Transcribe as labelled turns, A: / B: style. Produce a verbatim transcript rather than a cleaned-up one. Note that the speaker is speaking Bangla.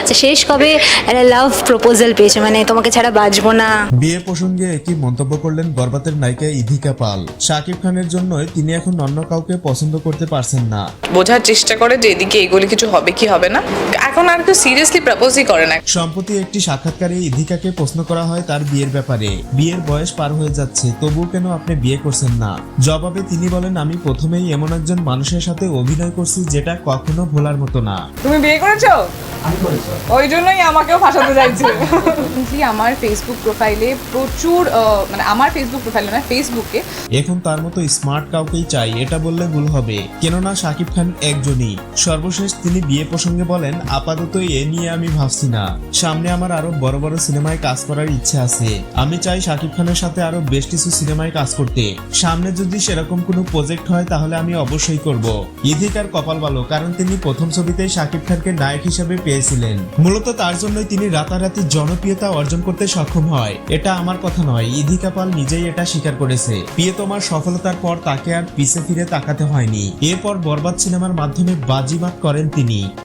A: আচ্ছা, শেষ কবে একটা লাভ প্রপোজাল পেয়েছে, মানে তোমাকে ছাড়া বাঁচবো না?
B: বিয়ে প্রসঙ্গে একটি মন্তব্য করলেন বরবাতের নায়িকা ইধিকা পাল। শাকিব খানের জন্যই তিনি এখন অন্য কাউকে পছন্দ করতে পারছেন না।
C: বোঝার চেষ্টা করে যে এদিকে এগুলি কিছু হবে কি হবে না, এখন আর কেউ সিরিয়াসলি প্রপোজই করে না।
B: সম্প্রতি একটি সাক্ষাৎকারে ইধিকাকে প্রশ্ন করা হয় তার বিয়ের ব্যাপারে। বিয়ের বয়স পার হয়ে যাচ্ছে, তবুও কেন আপনি বিয়ে করছেন না? জবাবে তিনি বলেন, আমি প্রথমেই এমন একজন মানুষের সাথে অভিনয় করছি যেটা কখনো ভোলার মতো না।
C: তুমি বিয়ে করেছো? ওই জন্যই আমাকেও ফাঁসাতে চাইছে। আমার ফেসবুক প্রোফাইলে প্রচুর আহ, মানে আমার ফেসবুক প্রোফাইলে না ফেসবুকে
B: এখন তার মতো স্মার্ট কাউকেই চাই, এটা বললে ভুল হবে, কেননা শাকিব খান একজনই। সর্বশেষ তিনি বিয়ে প্রসঙ্গে বলেন, আপাতত এ নিয়ে আমি ভাবছি না, সামনে আমার আরো বড় বড় সিনেমায় কাজ করার ইচ্ছে আছে। আমি চাই শাকিব খানের সাথে আরো বেশ কিছু সিনেমায় কাজ করতে। সামনে যদি সেরকম কোনো প্রজেক্ট হয় তাহলে আমি অবশ্যই করব। ইধিকার কপাল ভালো, কারণ তিনি প্রথম ছবিতেই শাকিব খানকে নায়ক হিসেবে পেয়েছিলেন। মূলত তার জন্যই তিনি রাতারাতি জনপ্রিয়তা অর্জন করতে সক্ষম হয়। এটা আমার কথা নয়, ইধিকা পাল নিজেই এটা স্বীকার করেছে। প্রিয়তমার সফলতার পর তাকে আর পিছে ফিরে তাকাতে হয়নি। এরপর বরবাদ সিনেমার মাধ্যমে বাজিমাত করেন তিনি।